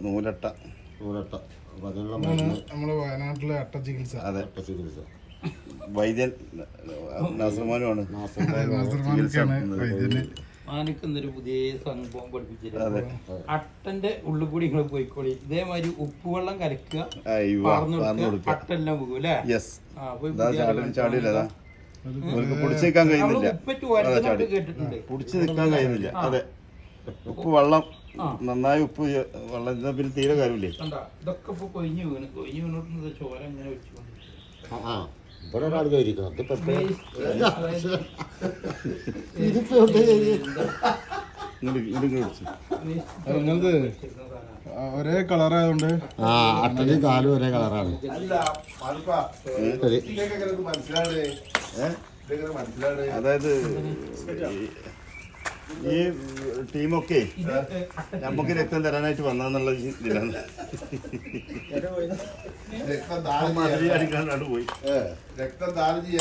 നൂലട്ട അപ്പൊ അതിനുള്ള നമ്മള് വയനാട്ടിലെ അട്ട ചികിത്സ. അതെ ചികിത്സ വൈദ്യൻ നസർമാനുമാണ് വൈദ്യന്. മാനിക്കുന്നൊരു പുതിയ സംഭവം പഠിപ്പിച്ചിട്ടുണ്ട്. അട്ടന്റെ ഉള്ളിൽ കൂടി നിങ്ങൾ പോയിക്കോളി. ഇതേമാതിരി ഉപ്പുവെള്ളം കലക്കുക, അട്ടെല്ലാം പോകും അല്ലേ? ചാടിയില്ലതാ പിടിച്ചു നിൽക്കാൻ കഴിയുന്നില്ല. കേട്ടിട്ടുണ്ട്. നിൽക്കാൻ കഴിയുന്നില്ല. അതെ, ഉപ്പ് വെള്ളം നന്നായി ഉപ്പ് വെള്ളം പിന്നെ തീരെ കാര്യമില്ലേ. ഇതൊക്കെ ഇപ്പൊ കൊഴിഞ്ഞു വീണിട്ട് ചോര ഇങ്ങനെ വെച്ചുകൊണ്ട് ഇവിടെ ഒരാൾ കയറിക്കണം. നിങ്ങളത് ഒരേ കളറായതുകൊണ്ട് അട്ടനും കാലും ഒരേ കളറാണ്. അതായത് ഈ ടീമൊക്കെ നമുക്ക് രക്തം തരാനായിട്ട് വന്നെന്നുള്ള ഇതിലാണ്. രക്തം ദാനം ചെയ്യാൻ പോയി. രക്തം ദാനം ചെയ്യാൻ